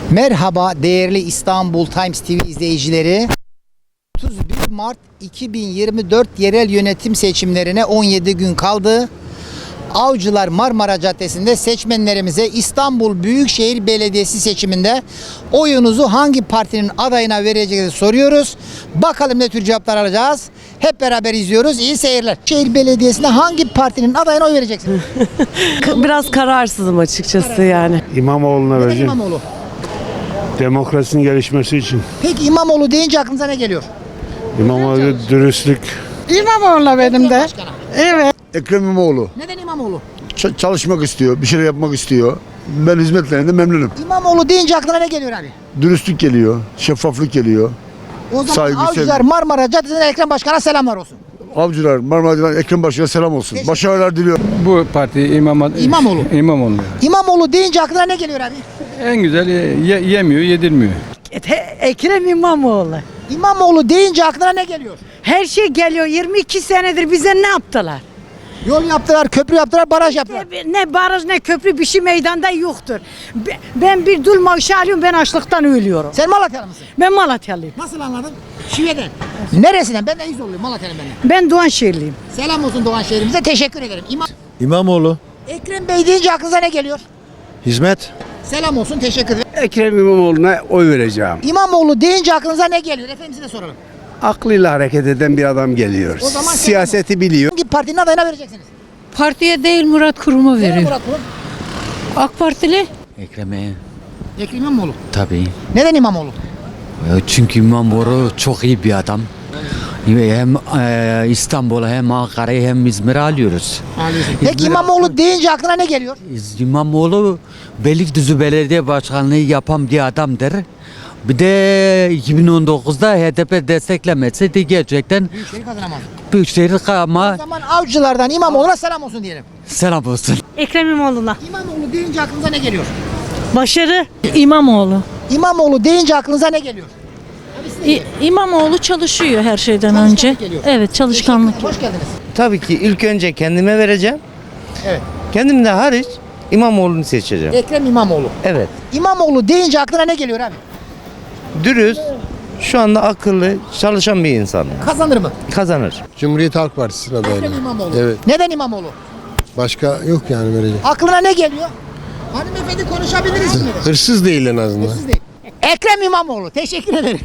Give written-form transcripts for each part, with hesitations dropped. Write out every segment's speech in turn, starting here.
Merhaba değerli İstanbul Times TV izleyicileri. 31 Mart 2024 yerel yönetim seçimlerine 17 gün kaldı. Avcılar Marmara Caddesi'nde seçmenlerimize İstanbul Büyükşehir Belediyesi seçiminde oyunuzu hangi partinin adayına vereceğinizi soruyoruz. Bakalım ne tür cevaplar alacağız. Hep beraber izliyoruz. İyi seyirler. Şehir Belediyesi'nde hangi partinin adayına oy vereceksiniz? Biraz kararsızım açıkçası yani. İmamoğlu'na Neden vereceğim. İmamoğlu? Demokrasinin gelişmesi için. Peki İmamoğlu deyince aklınıza ne geliyor? İmamoğlu dürüstlük. İmamoğlu benim de. Başkanım. Evet. Ekrem İmamoğlu. Neden İmamoğlu? Çalışmak istiyor, bir şeyler yapmak istiyor. Ben hizmetlerinden memnunum. İmamoğlu deyince aklına ne geliyor abi? Dürüstlük geliyor, şeffaflık geliyor. O zaman Saygı, Avcılar sevgi. Marmara Caddesi'nde Ekrem Başkan'a selamlar olsun. Avcılar, Marmara'dan Ekrem Başkan'a selam olsun. Başarılar diliyorum. Bu parti İmamoğlu. İmamoğlu. İmamoğlu deyince aklına ne geliyor abi? En güzel yemiyor, yedirmiyor. Ekrem İmamoğlu. İmamoğlu deyince aklına ne geliyor? Her şey geliyor. 22 senedir bize ne yaptılar? Yol yaptılar, köprü yaptılar, baraj yaptılar. Ne baraj ne köprü bir şey meydanda yoktur. Ben bir dul maaşı alıyorum, ben açlıktan ölüyorum. Sen Malatyalı mısın? Ben Malatyalıyım. Nasıl anladın? Şive'den. Neresinden? Ben de İzoluyum, Malatya'nın ben de. Ben Doğanşehirliyim. Selam olsun Doğan şehrimize, teşekkür ederim. İmamoğlu. Ekrem Bey deyince aklınıza ne geliyor? Hizmet. Selam olsun, teşekkür ederim. Ekrem İmamoğlu'na oy vereceğim. İmamoğlu deyince aklınıza ne geliyor? Efendim size soralım. Aklıyla hareket eden bir adam geliyor. O zaman Siyaseti biliyor. Hangi partinin adayına vereceksiniz? Partiye değil Murat Kurum'a Neden veriyor. Murat Kurum? AK Partili? Ekrem'e Ekrem İmamoğlu. tabii. Neden İmamoğlu? Çünkü İmamoğlu çok iyi bir adam. Hem İstanbul'a hem Ankara'yı hem İzmir'i alıyoruz. Peki İmamoğlu deyince aklına ne geliyor? İmamoğlu Beylikdüzü Belediye Başkanlığı yapan bir adamdır. Bir de 2019'da HDP desteklemeseydi gerçekten Büyükşehir kazanamaz. Büyükşehir O ama zaman Avcılardan İmamoğlu'na selam olsun diyelim. selam olsun. Ekrem İmamoğlu'na. İmamoğlu deyince aklınıza ne geliyor? Başarı. İmamoğlu. İmamoğlu deyince aklınıza ne geliyor? İmamoğlu çalışıyor her şeyden Çalışkanlık önce. geliyor. Evet, çalışkanlık. Hoş geldiniz. Tabii ki ilk önce kendime vereceğim. Evet. Kendimden hariç İmamoğlu'nu seçeceğim. Ekrem İmamoğlu. Evet. İmamoğlu deyince aklına ne geliyor abi? Dürüst, şu anda akıllı, çalışan bir insan. Kazanır mı? Kazanır. Cumhuriyet Halk Partisi'ne Ekrem İmamoğlu. Evet. Neden İmamoğlu? Başka yok yani verecek. Aklına ne geliyor? Hanımefendi konuşabiliriz şimdi. Hırsız değil en azından. Siz değil. Ekrem İmamoğlu. Teşekkür ederim.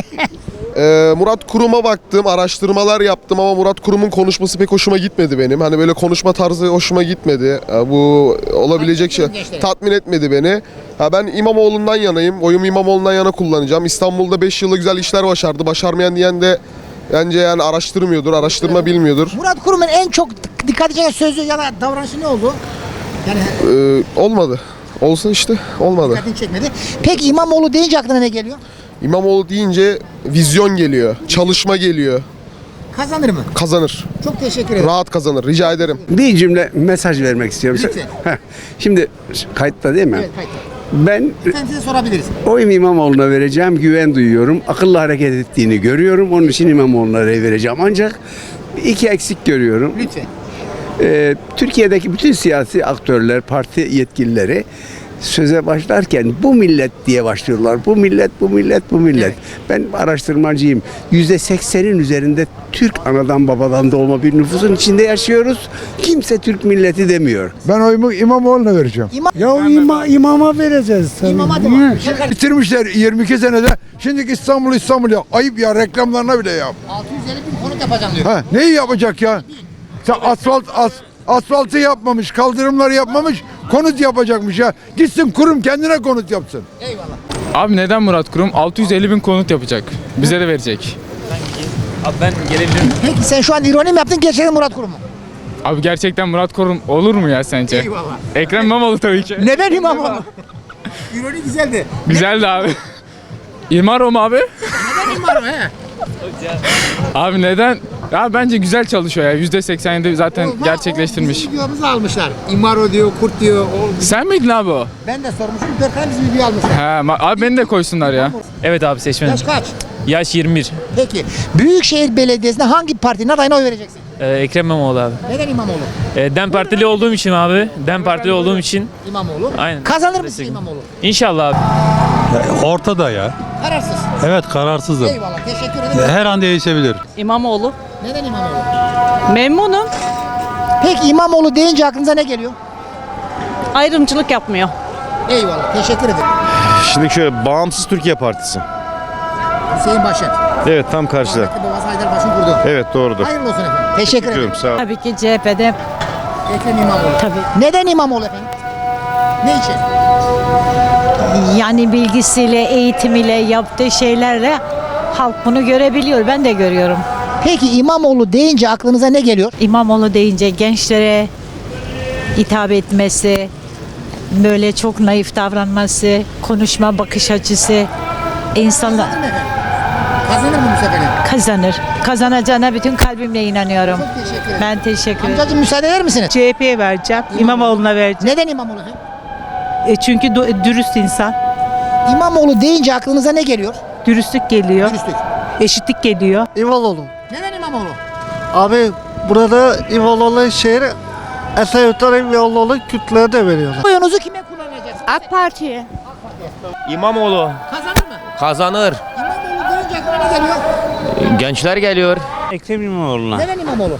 Murat Kurum'a baktım, araştırmalar yaptım ama Murat Kurum'un konuşması pek hoşuma gitmedi benim. Hani böyle konuşma tarzı hoşuma gitmedi. Bu olabilecek şey tatmin etmedi beni. Ben İmamoğlu'ndan yanayım. Oyumu İmamoğlu'ndan yana kullanacağım. İstanbul'da 5 yılda güzel işler başardı. Başarmayan diyen de bence yani araştırmıyordur, araştırma bilmiyordur. Murat Kurum'un en çok dikkat çeken sözü ya da davranışı ne oldu? Yani Olmadı. Olsa işte olmadı. dikkatini çekmedi. Peki İmamoğlu deyince aklına ne geliyor? İmamoğlu deyince vizyon geliyor, çalışma geliyor. Kazanır mı? Kazanır. Çok teşekkür ederim. Rahat kazanır. Rica ederim. Bir cümle mesaj vermek istiyorum. Lütfen. Heh, şimdi kayıtta değil mi? Evet, kayıtlı. Ben Efendim size sorabiliriz. oyumu İmamoğlu'na vereceğim. Güven duyuyorum. Akıllı hareket ettiğini görüyorum. Onun için İmamoğlu'na vereceğim. Ancak iki eksik görüyorum. Lütfen. Türkiye'deki bütün siyasi aktörler, parti yetkilileri söze başlarken bu millet diye başlıyorlar. Bu millet, bu millet, bu millet. Evet. Ben araştırmacıyım. %80'in üzerinde Türk anadan babadan doğma bir nüfusun içinde yaşıyoruz. Kimse Türk milleti demiyor. Ben oyumu İmamoğlu'na vereceğim. İmama vereceğiz tabii. İmama devam. Bitirmişler 22 senede. Şimdiki İstanbul ya. Ayıp ya, reklamlarına bile yap. 650 bin konut yapacağım diyor. Ha, neyi yapacak ya? Sen asfaltı yapmamış, kaldırımları yapmamış, konut yapacakmış ya. Gitsin kurum kendine konut yapsın. Eyvallah. Abi neden Murat Kurum? 650 bin konut yapacak. Bize de verecek. Abi ben gelebilirim. Peki sen şu an ironi mi yaptın gerçekten Murat Kurum mu? Abi gerçekten Murat Kurum olur mu ya sence? Eyvallah. Ekrem İmamoğlu tabii ki. Neden İmamoğlu? İroni güzeldi. Güzeldi abi. İmaro mu abi? Neden İmamoğlu he? Abi neden? Ya bence güzel çalışıyor ya. %87 zaten gerçekleştirmiş. Bizim videomuzu almışlar. İmaro diyor, kurt diyor. Sen miydin abi o? Ben de sormuşum. 4 tane bizim video almışlar. He, abi beni de koysunlar ya. Evet abi seçmenim. Yaş kaç? Yaş 21. Peki. Büyükşehir Belediyesi'nde hangi partinin adayına oy vereceksin? Ekrem İmamoğlu abi. Neden İmamoğlu? Dem Partili olduğum için abi. Dem Partili olduğum için. İmamoğlu. Aynen. Kazanır mısın İmamoğlu? İnşallah abi. Ortada ya. Kararsız. Evet, kararsızım. Eyvallah. Teşekkür ederim. Her an değişebilir. İmamoğlu. Neden İmamoğlu? Memnunum. Peki İmamoğlu deyince aklınıza ne geliyor? Ayrımcılık yapmıyor. Eyvallah. Teşekkür ederim. Şimdi şöyle Bağımsız Türkiye Partisi. Hüseyin Başet. Evet, tam karşıda. Rahmetli babası Haydarpaşa'ın kurdu. Evet, doğrudur. Hayırlı olsun efendim. Teşekkür ederim. Sağ ol. Tabii ki CHP'de. Ekrem İmamoğlu. Tabii. Neden İmamoğlu efendim? Ne için? Yani bilgisiyle, eğitimiyle, yaptığı şeylerle halk bunu görebiliyor. Ben de görüyorum. Peki İmamoğlu deyince aklınıza ne geliyor? İmamoğlu deyince gençlere hitap etmesi, böyle çok naif davranması, konuşma bakış açısı, insanlar Kazanır mı bu sefer? kazanır. Kazanacağına bütün kalbimle inanıyorum. Çok teşekkür ederim. Ben teşekkür ederim. Amcacığım müsaade eder misiniz? CHP'ye vereceğim. İmamoğlu'na vereceğim. Neden İmamoğlu efendim? Çünkü dürüst insan. İmamoğlu deyince aklınıza ne geliyor? Dürüstlük geliyor. Dürüstlük. Eşitlik geliyor. İmamoğlu. Neden İmamoğlu? Abi burada İmamoğlu şehri Esenyurt'tan İmamoğlu Kürtlere de veriyorlar. Oyunuzu kime kullanacaksınız? AK Parti'ye. İmamoğlu Kazanır mı? kazanır. İmamoğlu deyince aklına ne geliyor? Gençler geliyor. Ekrem İmamoğlu'na. Neden İmamoğlu?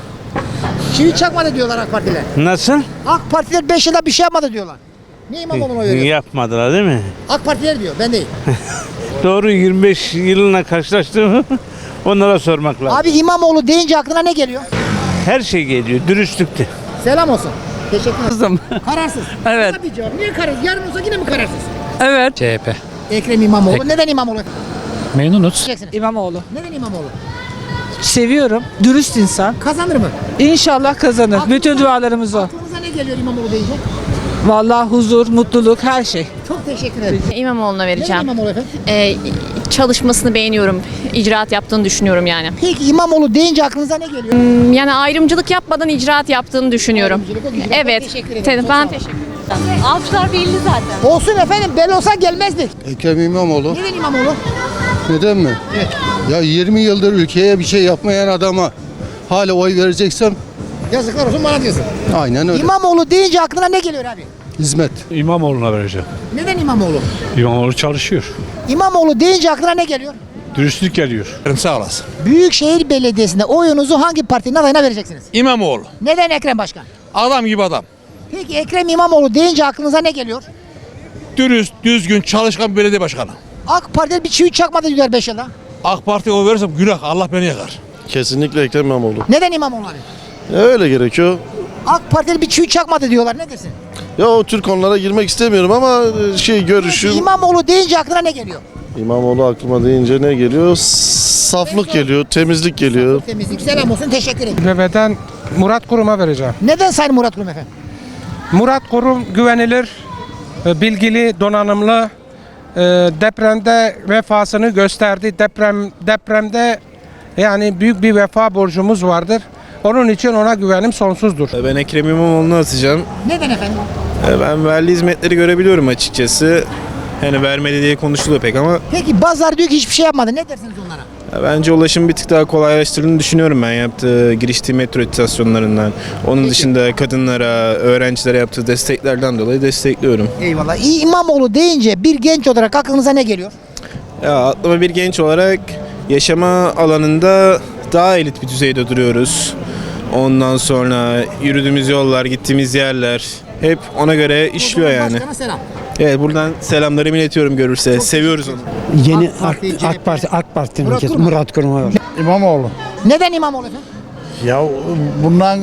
Çivi çakmadı diyorlar AK Partiler. Nasıl? AK Partiler 5 yılda bir şey yapmadı diyorlar. Niye İmamoğlu'na veriyor? Yapmadılar değil mi? AK Partiler diyor, ben değil. Doğru, 25 yılına karşılaştığımı onlara sormak lazım. Abi İmamoğlu deyince aklına ne geliyor? Her şey geliyor, dürüstlükte. Selam olsun. Teşekkür ederim. Kızım. Kararsız. Evet. Kısa bir cevap. Niye kararsız? Yarın olsa yine mi kararsız? Evet. CHP. Ekrem İmamoğlu. Neden İmamoğlu? Memnunuz. Diyeceksiniz. İmamoğlu. Neden İmamoğlu? Seviyorum. Dürüst insan. Kazanır mı? İnşallah kazanır. Aklınıza- Bütün dualarımız o. Aklınıza ne geliyor İmamoğlu deyince? Vallahi huzur, mutluluk, her şey. Çok teşekkür ederim. İmamoğlu'na Neden vereceğim. İmamoğlu efendim? Çalışmasını beğeniyorum. İcraat yaptığını düşünüyorum yani. Peki İmamoğlu deyince aklınıza ne geliyor? Yani ayrımcılık yapmadan icraat yaptığını düşünüyorum. Ayrımcılık, o icraat. Evet. Teşekkür ederim. Çok Ben sağ teşekkür Avcılar belli zaten. Olsun efendim, belli olsa gelmezdik. Ekrem İmamoğlu. Neden İmamoğlu? Neden mi? Evet. Ya 20 yıldır ülkeye bir şey yapmayan adama hala oy vereceksem Yazıklar olsun bana diyorsun. aynen öyle. İmamoğlu deyince aklına ne geliyor abi? Hizmet. İmamoğlu'na vereceğim. Neden İmamoğlu? İmamoğlu çalışıyor. İmamoğlu deyince aklına ne geliyor? Dürüstlük geliyor. Sağ olasın. Büyükşehir Belediyesi'nde oyunuzu hangi partinin adayına vereceksiniz? İmamoğlu. Neden Ekrem Başkan? Adam gibi adam. Peki Ekrem İmamoğlu deyince aklınıza ne geliyor? Dürüst, düzgün, çalışkan bir belediye başkanı. AK Parti'de bir çivi çakmadı diyorlar 5 yılda. AK Parti'ye oy verirsem günah, Allah beni yakar. Kesinlikle Ekrem İmamoğlu. Neden İmamoğlu abi? Öyle gerekiyor. AK Parti'de bir çivi çakmadı diyorlar. Ne dersin? Ya o tür konulara girmek istemiyorum ama görüşüm. İmamoğlu deyince aklına ne geliyor? İmamoğlu aklıma deyince ne geliyor? Saflık geliyor, temizlik geliyor. Temizlik. Selam olsun. Teşekkür ederim. BB'den Murat Kurum'a vereceğim. Neden Sayın Murat Kurum efendim? Murat Kurum güvenilir, bilgili, donanımlı, depremde vefasını gösterdi. Depremde yani büyük bir vefa borcumuz vardır. Onun için ona güvenim sonsuzdur. Ben Ekrem İmamoğlu'nu atacağım. Neden efendim? Ben verdiği hizmetleri görebiliyorum açıkçası. Hani vermedi diye konuşuluyor pek ama Peki bazıları diyor ki hiçbir şey yapmadı. Ne dersiniz onlara? bence ulaşım bir tık daha kolaylaştırdığını düşünüyorum ben yaptığı giriştiği metro istasyonlarından. Onun dışında kadınlara, öğrencilere yaptığı desteklerden dolayı destekliyorum. Eyvallah. İmamoğlu deyince bir genç olarak aklınıza ne geliyor? Ya aklıma bir genç olarak yaşama alanında daha elit bir düzeyde duruyoruz. Ondan sonra yürüdüğümüz yollar, gittiğimiz yerler hep ona göre işliyor yani. Başkana selam. Evet, buradan selamlarımı iletiyorum görürse. Seviyoruz onu. Yeni AK Parti'nin Murat Kurum. Murat Kurum var. İmamoğlu. Neden İmamoğlu efendim? Ya bundan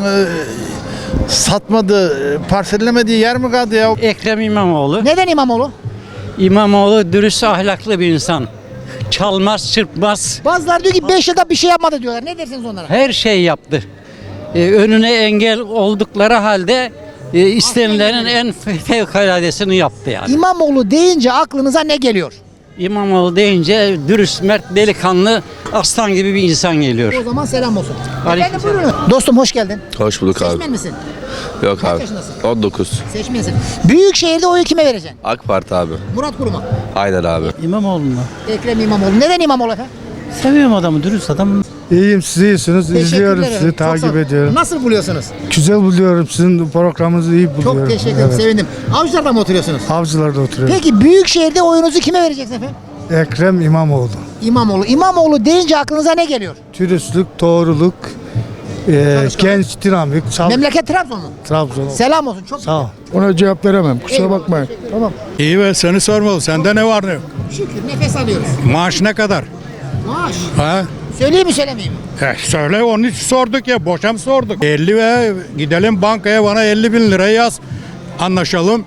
satmadı, parsellemediği yer mi kaldı ya? Ekrem İmamoğlu. Neden İmamoğlu? İmamoğlu dürüst, ahlaklı bir insan. Çalmaz, çırpmaz. Bazıları diyor ki 5 yılda bir şey yapmadı diyorlar. Ne dersiniz onlara? Her şey yaptı. Önüne engel oldukları halde istenilenin en fevkaladesini yaptı yani. İmamoğlu deyince aklınıza ne geliyor? İmamoğlu deyince dürüst, mert, delikanlı, aslan gibi bir insan geliyor. O zaman selam olsun. Aleyküm Efendim buyurun. Dostum hoş geldin. Hoş bulduk Seçmen misin? Yok Kaç yaşındasın? 19. Seçmensin. Büyükşehir'de oyu kime vereceksin? AK Parti abi. Murat Aynen abi. İmamoğlu'na. Ekrem İmamoğlu. Neden İmamoğlu efendim? Seviyorum adamı, dürüst adam. İyiyim, siz iyisiniz. İzliyorum Teşekkürler sizi, efendim. Çok sağ takip olun. ediyorum. Nasıl buluyorsunuz? Güzel buluyorum, sizin programınızı iyi buluyorum. Çok teşekkür ederim. Evet. Sevindim. Avcılar'da mı oturuyorsunuz? Avcılar'da oturuyorum. Peki Büyükşehir'de oyunuzu kime vereceksiniz efendim? Ekrem İmamoğlu. İmamoğlu. İmamoğlu deyince aklınıza ne geliyor? Dürüstlük, doğruluk, genç, dinamik, Memleket Trabzon mu? Trabzon. Selam olsun. Çok Sağ ol. Ona cevap veremem, kusura Eyvallah, bakmayın. Tamam. İyi ve seni sormalı, sende ne var ne yok? Şükür nefes alıyoruz. Maaş ne kadar? Maaş. Ha? Söyleyeyim mi söylemeyeyim mi? Söyle, onun için sorduk ya, boşam sorduk. 50 ve gidelim bankaya, bana 50 bin lira yaz, anlaşalım.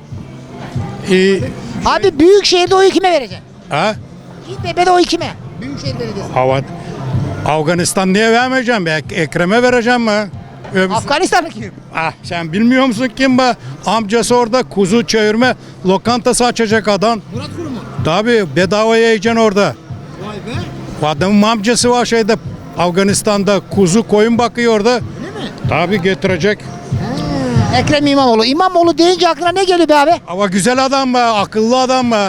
Abi Büyükşehir'de oyu kime vereceksin? Ha? İBB'de oyu kime? Büyükşehir Belediyesi. Afganistan niye vermeyeceğim? Ekrem'e vereceğim mi? Afganistan'ı kim? Sen bilmiyor musun kim bu? Amcası orada kuzu çevirme lokantası açacak adam. Murat Kurum mu? Tabii bedavaya yiyeceksin orada. Vay be. Adamın amcası var şeyde Afganistan'da kuzu koyun bakıyor orada. Öyle mi? Tabii getirecek. Ekrem İmamoğlu. İmamoğlu deyince aklına ne geliyor be abi? Ama güzel adam be, akıllı adam be.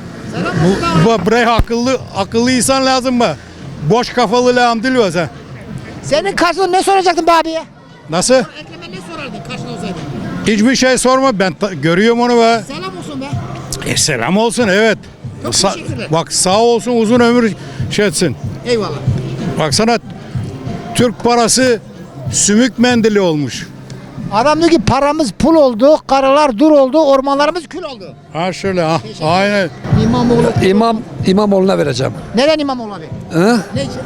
Buraya akıllı insan lazım be. Boş kafalı lağım değil mi sen? Senin karşılığında ne soracaktın be abiye? Nasıl? Ekrem'e ne sorardın karşılığında olsaydın? Hiçbir şey sorma, ben görüyorum onu be. Selam olsun be. Selam olsun, evet. Çok teşekkürler. Bak sağ olsun, uzun ömür şey etsin. Eyvallah. Baksana, Türk parası sümük mendili olmuş. Adam diyor ki paramız pul oldu, karılar dur oldu, ormanlarımız kül oldu. Ha şöyle, ha, aynen. İmamoğlu. İmamoğlu'na vereceğim. Neden İmamoğlu abi? He? Ne için?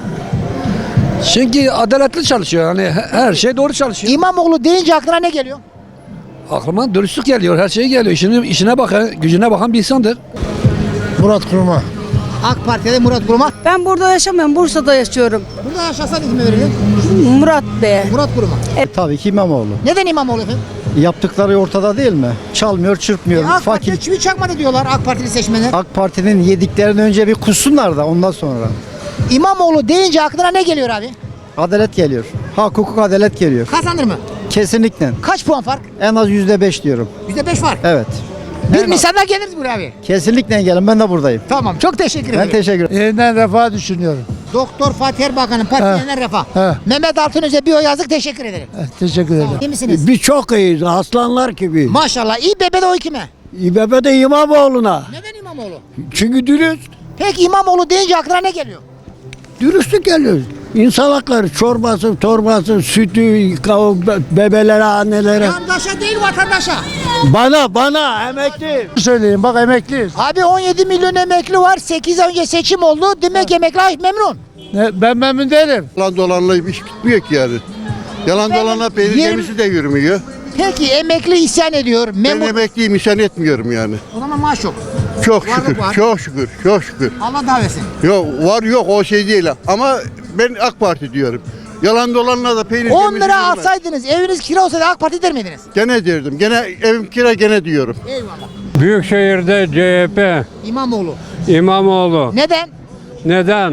Çünkü adaletli çalışıyor. Yani her şey doğru çalışıyor. İmamoğlu deyince aklına ne geliyor? Aklıma dürüstlük geliyor. Her şey geliyor. İşine bakan, gücüne bakan bir insandır. Murat Kurum'a. AK Parti'de Murat Kurum'a. Ben burada yaşamıyorum. Bursa'da yaşıyorum. Burada yaşasan kime verirdin? Murat Bey. Murat Kurum'a. Tabii ki İmamoğlu. Neden İmamoğlu efendim? Yaptıkları ortada değil mi? Çalmıyor, çırpmıyor. AK Parti'de çivi çakmadı diyorlar AK Partili seçmenler. AK Parti'nin yediklerinden önce bir kussunlar da ondan sonra. İmamoğlu deyince aklına ne geliyor abi? Adalet geliyor. Hak, hukuk, adalet geliyor. Kazanır mı? Kesinlikle. Kaç puan fark? En az %5 diyorum. %5 var. Evet. Bir Nisan'da geliriz buraya abi. Kesinlikle gelin. Ben de buradayım. Tamam. Çok teşekkür ederim. Ben teşekkür ederim. Yeniden refah düşünüyorum. Doktor Fatih Erbakan'ın partisinden refah. Mehmet Altınöz'e bir oy yazdık. Teşekkür ederim. Teşekkür ederim. İyi misiniz? Biz çok iyiyiz. Aslanlar gibi. Maşallah. İBB'de oy kime? İBB'de İmamoğlu'na. Neden İmamoğlu? Çünkü dürüst. Peki İmamoğlu deyince aklına ne geliyor? Dürüstlük geliyor. İnsan hakları, çorbası, torbası, sütü, bebelere, annelere. Yandaşa değil vatandaşa. Bana emekli. Söyleyeyim bak, emekliyiz. Abi 17 milyon emekli var. 8 ay önce seçim oldu. Demek emekli memnun. Ben memnun değilim. Yalan dolanla iş bitmiyor ki yani. Yalan dolanla peynir Yirmi- gemisi de yürümüyor. Peki emekli isyan ediyor. Ben Memur. emekliyim, isyan etmiyorum yani. O zaman maaş yok. Çok Varlık şükür, var. çok şükür, çok şükür. Allah davet etsin. Yok var yok o şey değil ama ben AK Parti diyorum. Yalan dolanla da peynir 10 gemisi lira yürümez. alsaydınız eviniz kira olsaydı AK Parti der miydiniz? Gene derdim. Gene evim kira gene diyorum. Eyvallah. Büyükşehir'de CHP, İmamoğlu. İmamoğlu. Neden? Neden?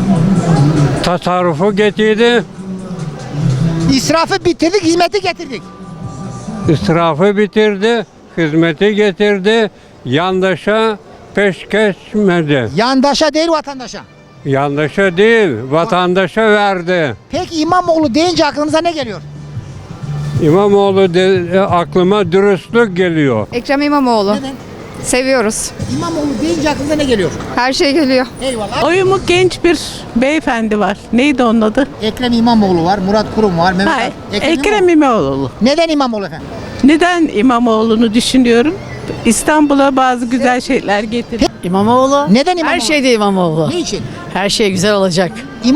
Tasarrufu getirdi, İsrafı bitirdik, hizmeti getirdik. israfı bitirdi, hizmeti getirdi, yandaşa peş geçmedi. Yandaşa değil vatandaşa. Yandaşa değil, vatandaşa verdi. Peki İmamoğlu deyince aklınıza ne geliyor? İmamoğlu aklıma dürüstlük geliyor. Ekrem İmamoğlu. Neden? Seviyoruz. İmamoğlu deyince aklınıza ne geliyor? Her şey geliyor. Eyvallah. Oyumu genç bir beyefendi var. Neydi onun adı? Ekrem İmamoğlu var, Murat Kurum var, Mehmet Hayır, İmamoğlu. Ekrem İmamoğlu. Neden İmamoğlu efendim? Neden İmamoğlu'nu düşünüyorum? İstanbul'a bazı güzel şeyler getirdi. İmamoğlu. Neden İmamoğlu? Her şeyde İmamoğlu. Niçin? Her şey güzel olacak.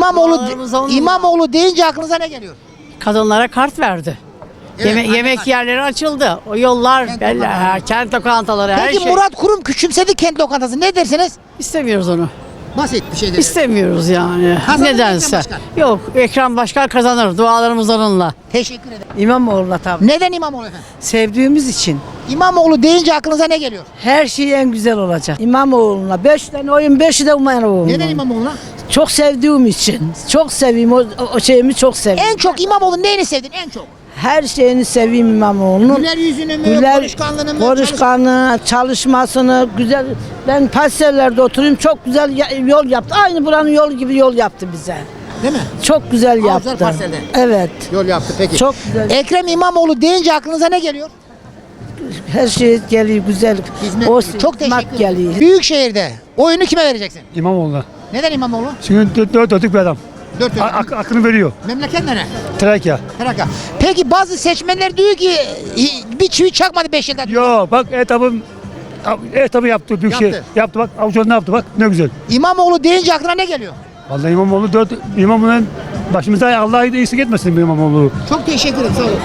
İmamoğlu deyince aklınıza ne geliyor? Kadınlara kart verdi. Evet, anne Yemek kart. yerleri açıldı. O yollar, kent lokantaları, her Peki şey. Murat Kurum küçümsedi kent lokantası. Ne dersiniz? İstemiyoruz onu. Basit bir şey değil. İstemiyoruz yani. Kazanır mı Nedense. Ekrem Başkan? Yok, Ekrem Başkan kazanır. Dualarımız onunla. Teşekkür ederim. İmamoğlu'na tabii. Neden İmamoğlu efendim? Sevdiğimiz için. İmamoğlu deyince aklınıza ne geliyor? Her şey en güzel olacak. İmamoğlu'na 5 tane oyun, 5'i de İmamoğlu'na. Neden İmamoğlu'na? Çok sevdiğim için. Çok seveyim. O şeyimi çok seveyim. En çok İmamoğlu'nun neyini sevdin en çok? Her şeyini seveyim İmamoğlu'nun. Güler yüzünü mü, konuşkanlığını mı? Konuşkanlığı, çalışmasını, güzel. Ben parsellerde oturayım, çok güzel yol yaptı. Aynı buranın yolu gibi yol yaptı bize. Değil mi? Çok güzel Avcılar yaptı. Parselde. Evet. Yol yaptı peki. Çok güzel. Ekrem İmamoğlu deyince aklınıza ne geliyor? Her şey geliyor güzel. Hizmet. Çok teşekkür ederim. geliyor. Büyükşehir'de oyunu kime vereceksin? İmamoğlu'na. Neden İmamoğlu? Çünkü dörtlük bir adam. 4 yıl. Aklını veriyor. Memleket nere? Trakya. Trakya. Peki bazı seçmenler diyor ki bir çivi çakmadı 5 yılda. Yo bak etabı yaptı Büyükşehir. Yaptı. Yaptı bak Avcılar ne yaptı bak ne güzel. İmamoğlu deyince aklına ne geliyor? Vallahi İmamoğlu'nun başımıza Allah iyisi etmesin İmamoğlu. Çok teşekkür ederim. Sağ olun.